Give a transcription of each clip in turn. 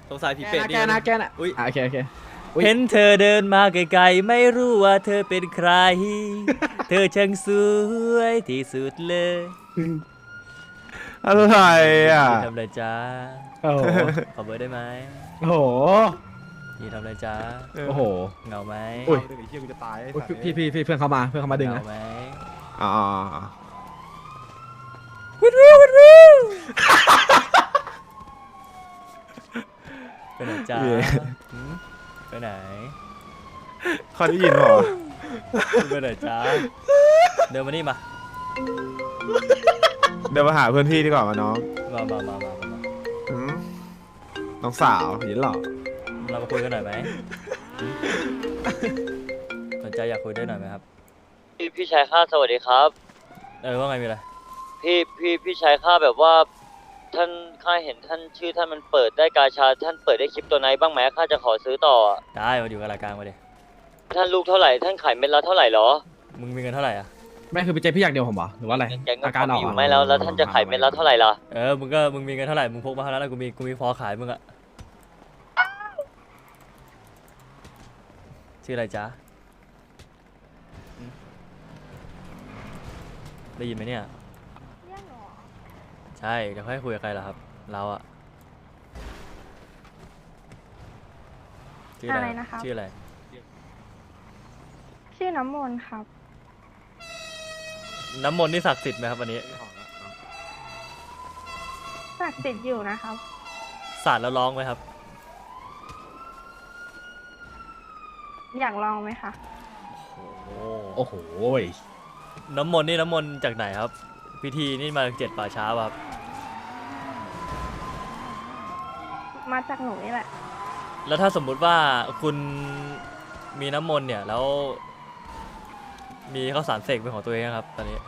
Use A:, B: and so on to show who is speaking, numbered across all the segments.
A: สงสัยผีเป็ดนี่
B: แกนะ
A: อุ้ย
B: โอเค
C: เห็นเธอเดินมาไกลๆไม่รู้ว่าเธอเป็นใคร เธอช่างสวยที่สุดเลย
B: อะไรอ่ะ
C: ยืนทำอะไรจ้า
B: โอ้โห
C: ขอเบอร์ได้ไหม
B: โอ้โห
C: ยืนทำอะไรจ้า
B: โอ้โห
C: เหงาไหม
B: อุ้ย
A: เดี๋ยวไอ้เหี้ยกูจะตาย
B: อุ๊ยพี่เพื่อนเขามาดึง
C: เห
B: นะ
C: งาไหม
A: อ๋อ
C: ไปไหนจ้าหืมไปไหน
A: เขาได้ยินเหรอ
C: ไปไหนจ้าเดินมานี่มา
A: เดี๋ยวมาหาเพื่อนพี่ดีกว่ามาน้อง
C: มา
A: หืมน้องสาวเห็นเหรอ
C: เรามาคุยกันหน่อยไหมหืมสนใจอยากคุยด้วยหน่อยไหมครับ
D: พี่ชายข้าสวัสดีครับ
C: ว่าไงมีอะไร
D: พี่ชายข้าแบบว่าท่านข้าเห็นท่านชื่อท่านมันเปิดได้กาชาท่านเปิดได้คลิปตัวไหนบ้างไหมข้าจะขอซื้อต่อ
C: ได้มาอยู่กับรายการมาดิ
D: ท่านลูกเท่าไหร่ท่านขายเม็ดละเท่าไหร่หรอ
C: มึงมีเงินเท่าไหร่อ่ะ
B: แม่คือไปเจอพี่อยากเดียวผมเหรอหรือว่าอะไร
D: แกงก็
B: อาการออก
D: อยู่
B: เหรอ
D: ไหมแล้วท่านจะขายเม็ดละเท่าไหร่ล่ะ
C: มึงมีเงินเท่าไหร่ มึงพกมาเท่านั้นแล้วกูมีพอขายมึงอะชื่ออะไรจ๊ะอืมได้ยินไหมเนี่ย
E: เรียกหนูเหรอ
C: ใช่เดี๋ยวค่อยคุยกับใครล่ะครับ เราอะชื่ออะไร
E: อะไรนะครับ
C: ชื่ออะไร
E: ชื่อน้ำมนต์ครับ
C: น้ำมนต์นี่ศักดิ์สิทธิ์ไหมครับวันนี้
E: ศักดิ์สิทธิ์อยู่นะครับ
C: สาดแล้วร้องไหมครับ
E: อยากลองไหมคะ
C: โอ้
B: โอ้โห
C: น้ำมนต์นี่น้ำมนต์จากไหนครับ พิธีนี่มาจาก7 ป่าช้าป่ะครับ
E: มาจากหนูนี่แหละ
C: แล้วถ้าสมมุติว่าคุณมีน้ำมนต์เนี่ยแล้ว มีข้าวสารเสกเป็นของตัวเองนะครับ ตอนนี้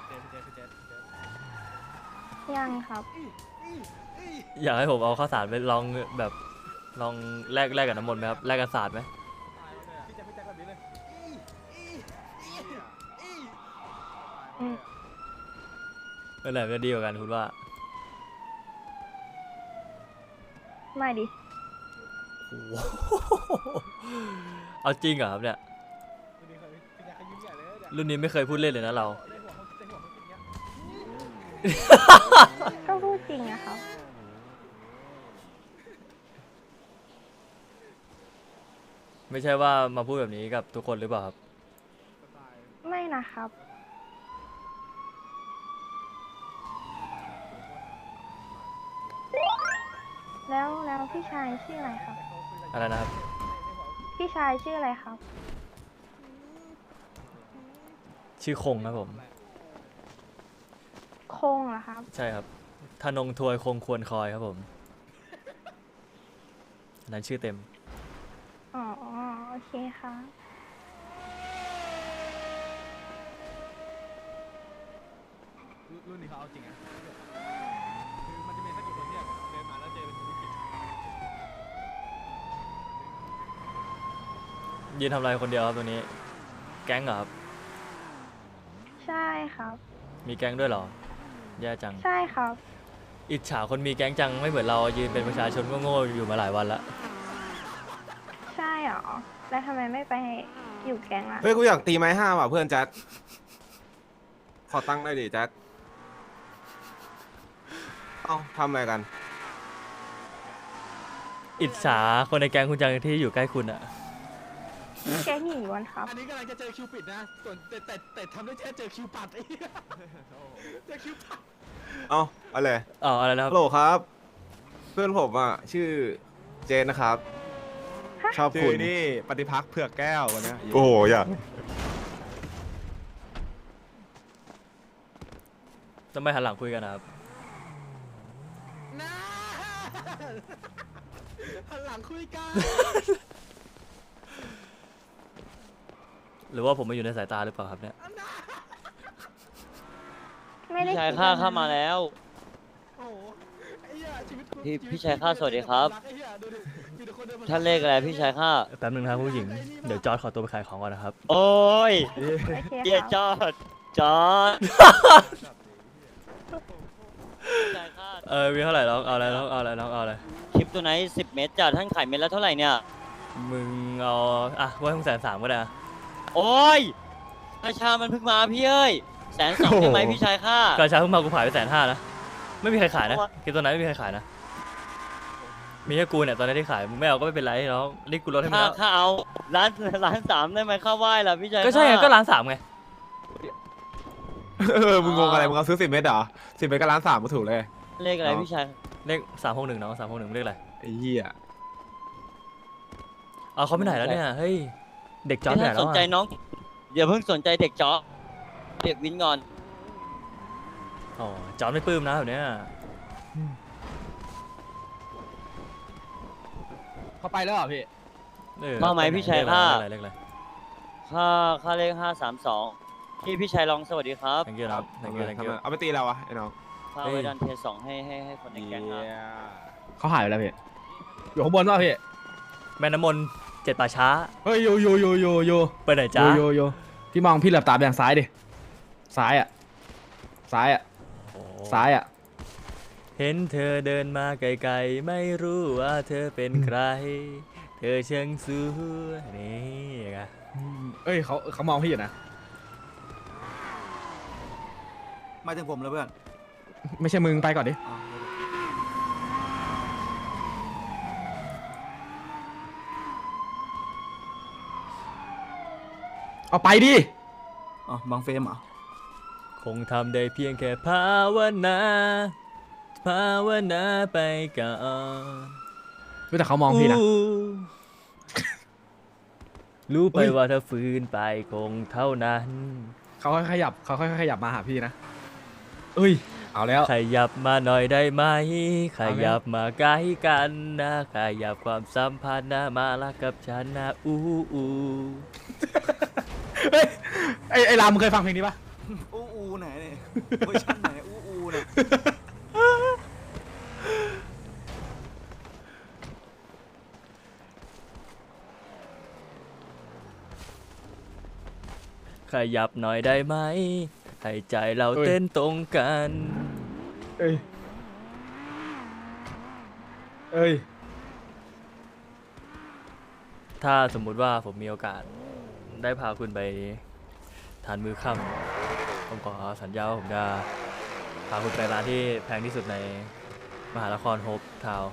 E: ยังครับ
C: อยากให้ผมเอาข้าวสารไปลองแบบลองแลกกับน้ำมนต์ไหมครับแลกกับศาสตร์ไหมเป็นอะไรก็ดีกว่ากันคุณว่า
E: ไม่ดิ
C: โอ้โหเอาจริงเหรอครับเนี่ยรุ่นนี้ไม่เคยพูดเล่นเลยนะเรา
E: ก็พูดจริงนะครับ
C: ไม่ใช่ว่ามาพูดแบบนี้กับทุกคนหรือเปล่าครับ
E: ไม่นะครับ แล้วพี่ชายชื่ออะไรครับ
C: อะไรนะครับ
E: พี่ชายชื่ออะไรครับ
C: ชื่อคงครับผม
E: คงเหรอครับ
C: ใช่ครับธนงทวยคงควรคอยครับผมอันนั้นชื่อเต็ม
E: อ๋อ โอเคค่ะ
A: รุ่นนี้เขาเอาจริงอ่ะคือมันจะมีสักกี่คนที่เดินมาแล้วเจอเป็นธุรกิจ
C: ยืนทำอะไรคนเดียวครับตัวนี้ แก๊งเหรอครับ
E: ใช่ครับ
C: มีแก๊งด้วยเหรอ แย่จัง
E: ใช่ครับ
C: อิจฉาคนมีแก๊งจังไม่เหมือนเรายืนเป็นประชาชนโง่ๆอยู่มาหลายวันละ
E: ใช่เหรอ แล้วทำไมไม่ไปอยู่แก๊งล่ะ
A: เฮ้ยกูอยากตีไม้5ว่ะเพื่อนแจ็คขอตั้งได้ดิแจ็คเอ้าทำอะไรกัน
C: อิจฉาคนในแก๊งคุณจังที่อยู่ใกล้คุณอะ
E: แก๊งหญิงล้วนครับ
F: อันนี้กำลังจะเจอคิวปิดนะ ส่วนแต่ทำได้แค่เจอคิวปัดไอ้เหี้ยเจอคิวปัด
A: เอ้าอะไร
C: อ๋ออะไรนะครับ
A: ฮัลโหลครับ เพื่อนผมอ่ะชื่อเจนนะครับ ชอบคุณ
F: นี่ปฏิพักษ์เผือกแก้ววันนี้
A: โอ้โหอยาก
C: จะไม่หันหลังคุยกันนะครับ
F: นะหันหลังคุยกัน
C: หรือว่าผมมาอยู่ในสายตาหรือเปล่าครับเนี่ย
E: ไม่ได้
D: พี่ชาย
E: คิด
D: ข้า
E: แบบนั้น
D: เข้ามาแล้ว
F: โอ้โหไอ้เหี้ยชีวิตกู
D: พี่ชายข้าสวัสดีครับ
F: ไอ้เหี้ยดูดิมีแต่คนเดินมา
D: ท่านเลขอะไรพี่ชายข้า
C: แป๊บนึงนะครับผู้หญิง เดี๋ยวจอร์ดขอตัวไปขายของก่อนนะครับ
D: โอ้ย
E: โอเค
D: เกีย
E: ครับ
D: จอดจอดพี่ชายข้า
C: มีเท่าไหร่น้องเอาอะไรน้องเอาอะไรน้องเอาอะไร
D: คลิปตัวไหน10 เมตรจ้ะท่านขายเม็ดละเท่าไหร่เนี่ย
C: มึงเอาไว้130,000ก็ได้อะ
D: โอ้ยราชามันเพิ่งมาพี่เอ้ย120,000ได้ไหมพี่ชายข้าก
C: ระชาเพิ่งมากูขายไป150,000นะไม่มีใครขายนะคลิปตัวนั้นไม่มีใครขายนะมีแค่กูเนี่ยตอนนี้ที่ขายมึงไม่เอาก็ไม่เป็นไรแล้วนี่กูลดให้มึงแล้ว
D: ข้าเอาล้าน 3ได้ไหมข้าไหว้ล่ะพี่ชาย
C: ก็ใช่ไง
D: ข้า
C: ก็1.3 ไง
F: มึงงงอะไรมึงเอาซื้อ10 เม็ดเหรอ10 เม็ดก็1.3ก็ถูกเลย
D: เลขอะไรพี่ชาย
C: เลข361น้อง361เลขอะไร
F: ไอ้เหี้ย
C: เอาเขาไปไหนแล้วเนี่ยเฮ้ยเด็กจอร์จไปไหน
D: ถ้า
C: แล้
D: ส
C: วน
D: ใจ
C: อะ
D: น้องอย่าเพิ่งสนใจเด็กจ๊อบเด็กวินก่อน
C: อ๋อจอร์จไม่ปลื้มนะแบบเนี้ย
B: เขาไปแล้วเหรอพี่
D: มาไหมพี่ชายข้า
C: เลขอะไร
D: ค่าเลข532พี่ชายลองสวัสดีครับ
C: thank you ครับ thank you thank you
F: เอาไปตีเราวะไอ้น้อง
D: ข้าไว้ดันเทส2ให้คนในแก๊งครับ
B: เขาหายไปแล้วพี่อยู่ข้างบนป่ะพี่
C: แม่น้ำมนต์7 ป่าช้า
B: เฮ้ยโย
C: ไปไหนจ้า
B: โยพี่มองพี่เหลือบตาไปทางซ้ายดิซ้ายอ่ะซ้ายอ่ะ
C: โอ้
B: ซ้ายอ่ะ
C: เห็นเธอเดินมาไกลๆไม่รู้ว่าเธอเป็นใคร เธอช่างสวยนี่ไง
B: เอ้ยเขามองพี่อยู่นะ
G: มาถึงผมแล้วเพื่อน
B: ไม่ใช่มึงไปก่อนดิเอาไปดิ
G: อ๋อ บางเฟรมเหรอ
C: คงทำได้เพียงแค่ภาวนาไปก่อน
B: แต่เขามองพี่นะ
C: รู้ไปว่าถ้าฝืนไปคงเท่านั้น
B: เขาค่อยขยับมาหาพี่นะเอ้ยเอาแล้ว
C: ขยับมาหน่อยได้ไหมข
B: เอาไง
C: ยับมาใกล้กันนะขยับความสัมพันธ์นะมาละกับฉันนะอู้อู
B: เฮ้ยไอ้รามมึงเคยฟังเพลงนี้ปะ
G: อูไหนเนี่ยเวอร์ชันไหนอูเนี่ย
C: ขยับหน่อยได้ไหมให้ใจเราเต้นตรงกัน
B: เอ้ย
C: ถ้าสมมุติว่าผมมีโอกาสได้พาคุณไปทานมื้อค่ำผมขอสัญญาว่าผมจะพาคุณไปร้านที่แพงที่สุดในมหานครโฮปทาวน์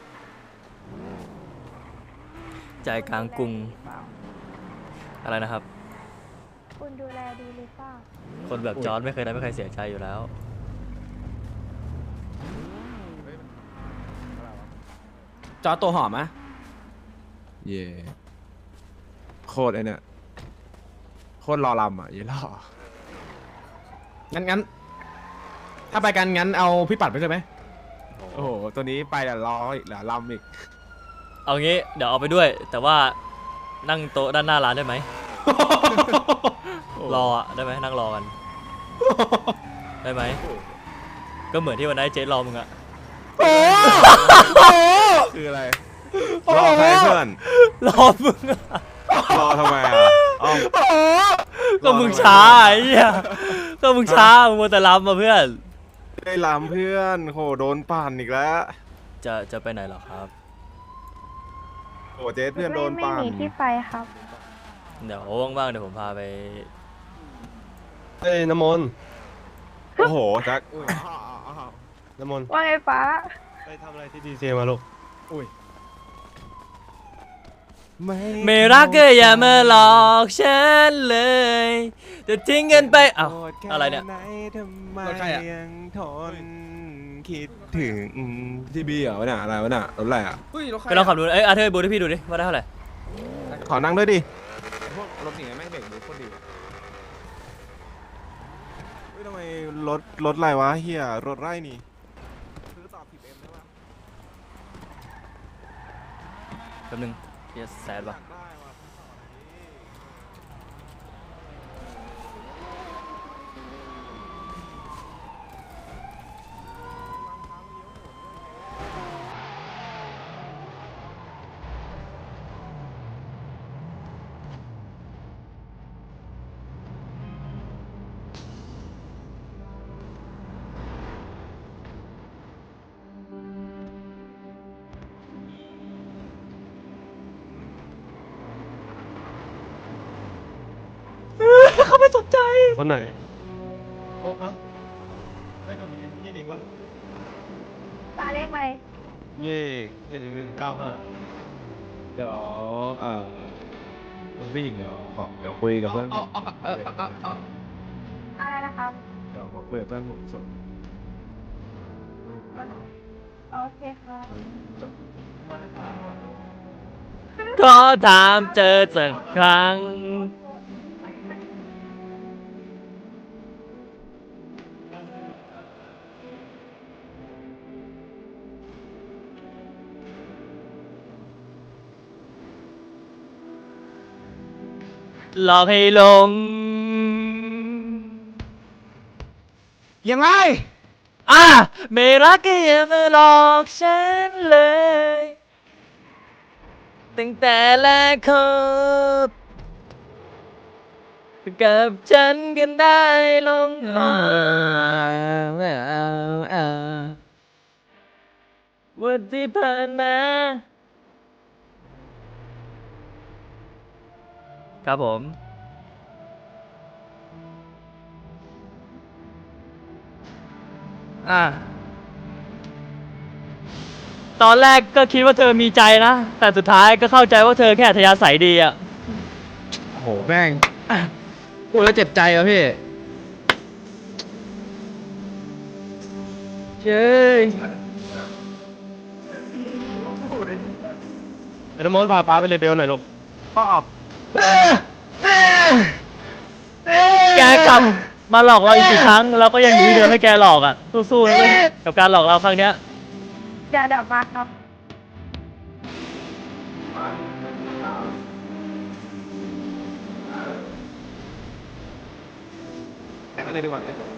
C: ใจกลางกรุงอะไรนะครับ
E: คุณดูแลดีหรือเปล่า
C: คนแบบจอร์จไม่เคยทำให้ใครเสียใจอยู่แล้ว
B: จอตัวหอมไหม
F: เย่โคตรไอ้เนี่ยโคตรรอลำอ่ะยี่ล่อ
B: งั้นถ้าไปกันงั้นเอาพี่ปัดไปใช่ไหม
F: โอ้โหตัวนี้ไปแต่รออีกเหลือลำอีก
C: เอางี้เดี๋ยวเอาไปด้วย แต่ว่านั่งโต๊ะด้านหน้าร้านได้ไหม รออะได้ไหมนั่งรอกันได้ไหมก็เหมือนที่วันนั้นเจ๊รอมึงอะ
F: คืออะไรรอใครเพื่อน
C: รอมึงอะ
F: รอทำไมอ่ะเอ้า
C: ก็มึงช้าไอ้เหี้ยก็มึงช้ามึงมัวแต่รำมาเพื่อน
F: ได้ลำเพื่อนโหโดนปั่นอีกแล้ว
C: จะไปไหนเหรอครับ
F: โอ้เจ๊เพื่อนโดน
E: ไม่
F: ปั่น
E: มีที่ไปครับ
C: เดี๋ยวว่างๆเดี๋ยวผมพาไป
H: เอ้ยน้ำมนต์
F: โอ้โหแจ็ค
H: น้ำมนต์
E: ว่าไงป้า
H: ไปทำอะไรที่ดีเซมาลูก
C: ไม่รักก็อย่ามาหลอกฉันเลยจะทิ้งกันไปเอ้าอะไรเนี่ย
F: ทำไม
B: รถใครอะ
F: ยังทนคิดถึงทีบีเหรอวะเนี่ยอะไรวะเนี่ยรถอะไรอ่ะ
B: เฮ้ยรถใคร
C: ไปลองขับดูเอ้ยอาเธอร์บูให้พี่ดูดิว่าได้เท่าไหร่
F: ขอนั่งด้วยดิพวกรถอย่างเงี้ยแม่งเบรกดูโคตรดีเฮ้ยทำไมรถอะไรวะเฮียรถไร่นี่ซื้อต่อผิดเอ็มได้ปะ
C: แป๊บนึงเฮียแซดป่ะ
F: ได้ว่ะ
C: ใจ
H: คนไหนโอ้เอ้าไม่ต้องมียี่ดิงวะ
E: ปลาเลขอะไร
H: เย่195
F: เดี๋ยวคุณผู้หญิงเดี๋ยวคุยกับเพื่อนผม
E: อะไรนะครับ
F: เดี๋ยวผมคุยกับเพื่อนผมส่วน
E: โอเคครับ
C: ขอถามเจอสักครั้งหลอกให้หลง
F: ยังไง
C: ไม่รักก็อย่ามาหลอกฉันเลยตั้งแต่แรกคบกับฉันกันได้ลงวันที่ผ่านมาครับผมตอนแรกก็คิดว่าเธอมีใจนะ แต่สุดท้ายก็เข้าใจว่าเธอแค่อัธยาศัยดีอ่ะ
B: โหแม่งพูดแล้วเจ็บใจอ่ะพี่เจ้ย
H: ไอ้น้ำมนต์พาป้าไปเลเบลหน่อยลูก
C: แกกลับมาหลอกเราอีกกี่ครั้งเราก็ยังอยู่ที่เดิมให้แกหลอกอ่ะสู้ๆนะเว้ยกับการหลอกเราครั้งเนี้ย
E: เดี๋ยวมาครับ
F: อะไรดีกว่า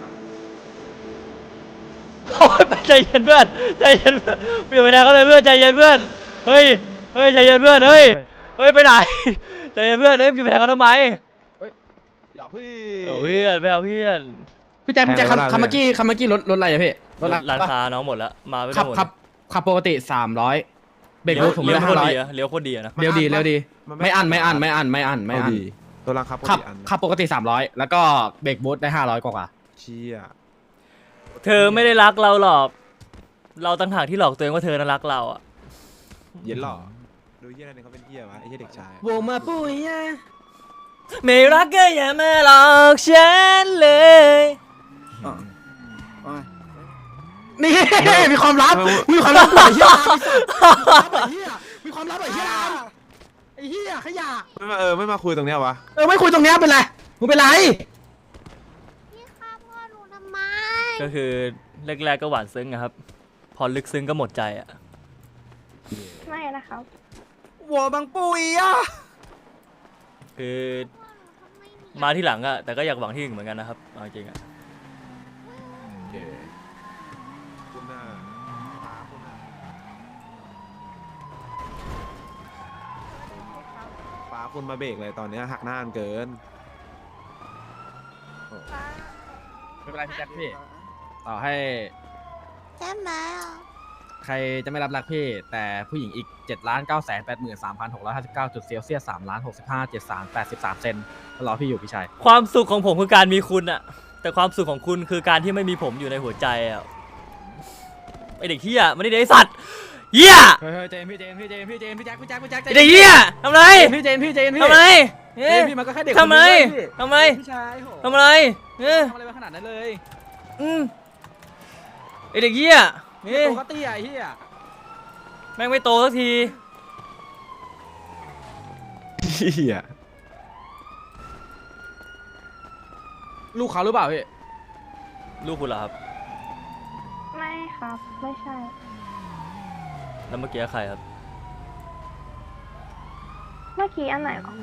C: โอ๊ยใจเย็นเพื่อนใจเย็นเพื่อนเปลี่ยนไปไหนก็เลยเพื่อนใจเย็นเพื่อนเฮ้ยใจเย็นเพื่อนเฮ้ยไปไหนใจเย็นเพื่อนอยู่ไปไหนกันทำไม
F: อย่าพี่
C: เอาเพื่อนไปเอาเพื่อน
B: พี่แจ็คคำเมื่อกี้รถอะไรอะพี่รถอะไร
C: ร้านค้าน้องหมดแล้วมาไม่ได้
B: ขับ
C: หมด
B: ขับปกติ300เบรกรถผม
C: เลี้ยว
B: ได้
C: โคตรดี
B: 500
C: อะเลี้ยวโคตรดีอะนะ
B: เร็วดีไม่อั้น
F: เอาดีตัวรังครับ
B: ขับ
F: อัน
B: ขับปกติ300แล้วก็เบรกบูทได้500กว่า
F: เชี่ย
C: เธอไม่ได้รักเราหรอกเราต่างหากที่หลอกตัวเองว่าเธอน่ารักเราอ่ะ
F: เย็นหรอดูเหี้ยอะไรเนี่ยเขาเป็นเหี้ยวะไอ้เหี้ยเด็กชาย
B: โวมาปุ้ย
C: ไม่รักก็อย่ามาหลอกฉันเลย
B: นี่มีความลับมีความลับไอ้เหี้ยมีความลับไอ้เหี้ยไอ้เหี้ยขยะ
F: ไม่มาคุยตรงเนี้ยวะ
B: ไม่คุยตรงเนี้ยเป็นไรมึงเป็นไร
E: พี่ฆ่าพ่อหนูทำไม
C: ก็คือแรกๆก็หวานซึ้งอะครับ พอลึกซึ้งก็หมดใจอ่ะ
E: ไม่นะครับ
G: หัวบางปุยอ่ะ
C: คือมาที่หลังอะแต่ก็อยากหวังที่หนึ่งเหมือนกันนะครับเอาจริงอะ
F: คุณหน้าป้าคุณมาเบรกเลยตอนเนี้ยหักหน้าเกิน
B: ไม่เป็นไรพี่แจ็คพี่ต่อให้
E: ใช่ไหม
B: ใครจะไม่รับรักพี่แต่ผู้หญิงอีก 7,983,659 จุดเซลเซียส 3,65,73,83 เซนก็รอพี่อยู่พี่ชาย
C: ความสุขของผมคือการมีคุณอะแต่ความสุขของคุณคือการที่ไม่มีผมอยู่ในหัวใจอะไอเด็กเหี้ยมันนี่ไอสัตว์เหี้ย
B: เฮ้ยเจมพี่แจ็คพี่แจ็คพี่แจ็ค
C: ไอเด็กเหี้ยทำไร
B: พี่เจมพี่
C: ทำไร
B: เจมพี่มันก็แค่เด็ก
C: ทำไร
B: ทำ
C: ทำไร
B: พี่ชายโห
C: ทำไร
B: ทำอะไรมาขนาดนั้นเลย
C: ไอเด็กเหี้ย
B: ปกติไอ้เหี้ย
C: แม่งไม่โตสักที
F: เหี้ย
B: ลูกเขาหรือเปล่าพี่
C: ลูกคุณเหรอครับ
E: ไม่ครับ ไม่ใช่
C: แล้วเมื่อกี้ใครครับ
E: เมื่อกี้อันไหนหรอ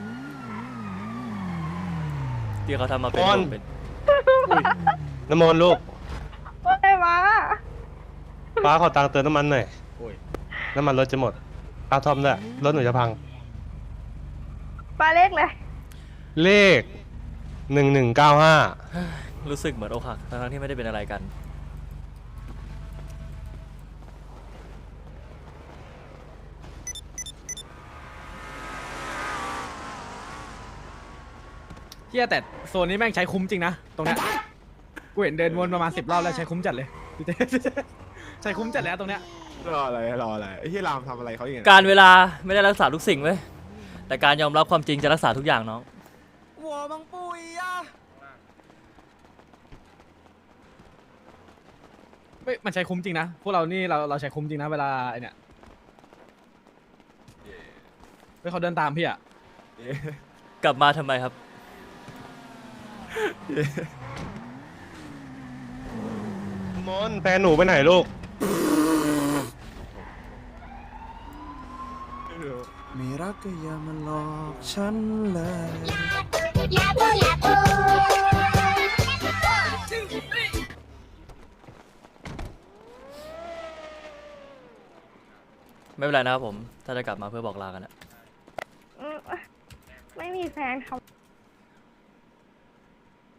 C: ที่เขาทำมาเป็น
H: บอล
C: เป็น
H: น้ำมนต์ลูก
E: อะไรวะ
H: ป้าขอตังค์เติมน้ำมันหน่อยน้ำมันรถจะหมดป้าทอมด้วยรถหนูจะพัง
E: ปลาเลขเลย
H: เลข 1195
C: รู้สึกเหมือนอกหักทั้งๆที่ไม่ได้เป็นอะไรกัน
A: เฮียแต่โซนนี้แม่งใช้คุ้มจริงนะตรงเนี้ยกูเห็นเดินวนประมาณ10 รอบแล้วใช้คุ้มจัดเลย ใช้คุ้มจัดแล้วตรงเนี้ย
F: รออะไรไอ้ที่รามทำอะไรเขาอย่างเงี้ย
C: การเวลาไม่ได้รักษาทุกสิ่งเว้ยแต่การยอมรับความจริงจะรักษาทุกอย่างน้อง
G: หัวมังปุยอ่ะ
A: ไม่มันใช้คุ้มจริงนะพวกเรานี่เราใช้คุ้มจริงนะเวลาไอเนี่ยเฮ้ยเขาเดินตามพี่อะ
C: กลับมาทำไมครับ
H: มนแฟนหนูไปไหนลูก
G: ไม่รักก็อย่ามาหลอกฉันเลย
C: ไม่เป็นไรนะครับผม ถ้าจะกลับมาเพื่อบอกลากันอะ
E: อืมไม่มีแฟนครับ